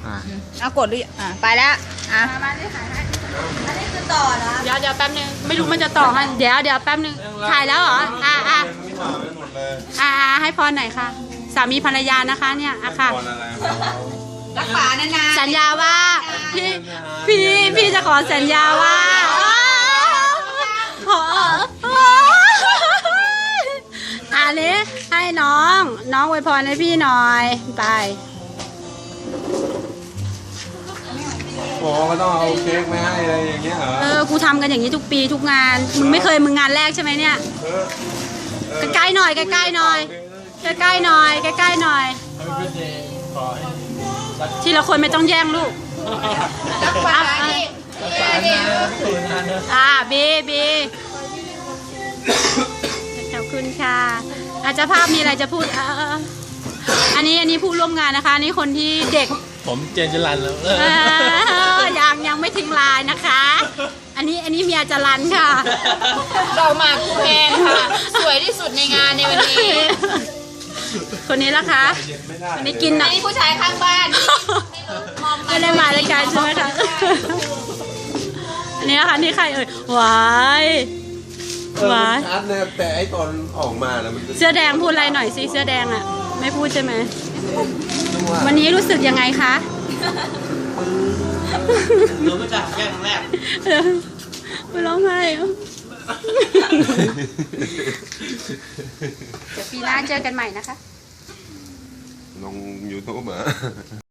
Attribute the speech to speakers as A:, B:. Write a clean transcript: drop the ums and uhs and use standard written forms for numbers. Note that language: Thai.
A: เอากดดิไปแล้ว
B: มาที่ถ่ายให้อันนี้คือต่อนะ
A: เดี๋ยวแป๊บนึงไม่รู้มันจะต่อให้เดี๋ยวแป๊บนึงถ่ายแล้วเหรอให้พรหน่อยค่ะสามีภรรยานะคะเนี่ยค่ะ
B: รักษานาน
A: สัญญาว่าพี่จะขอสัญญาว่าอันนี้ให้น้องอวยพรให้พี่หน่อยไป
C: บอกว่าต้องเอาเค้กไม่ให้อะไรอย่างเงี้ยเหรอ
A: กูทำกันอย่างนี้ทุกปีทุกงานมึงไม่เคยมึงงานแรกใช่ไหมเนี่ยใกล้ๆหน่อยใกล้ๆหน่อยใกล้ๆหน่อยใกล้ๆหน่อยทีละคนไม่ต้องแย่งลูก
B: รักษาดิ
A: บีขอบคุณค่ะอาจจะภาพมีอะไรจะพูดอันนี้ผู้ร่วมงานนะคะนี่คนที่เด็ก
C: ผมเจนจรันแล้ว
A: ยังไม่ทิ้งลายนะคะอันนี้เมียจรันค่ะ
B: เรามาคูแพนค่ะสวยที่สุดในงานในวันนี้
A: คนนี้ล่ะคะอันนี้กิน
B: นะนี่ผู้ชายข้างบ้าน
A: ไม่ได้มารายการใช่ไหมคะอันนี้นะคะนี่ใครหวาย
C: ชัดเลยแต่ไอตอนออกมาแล้วมัน
A: เสื้อแดงพูดอะไรหน่อยสิเสื้อแดงอ่ะไม่พูดใช่ไหมวันนี้รู้สึกยังไงคะ
C: รู้มาจากแค่ครั้งแรก
A: ไม่ร้องไห้เดี๋ยวปีหน้าเจอกันใหม่นะคะ
C: ลงยูทูบเหรอ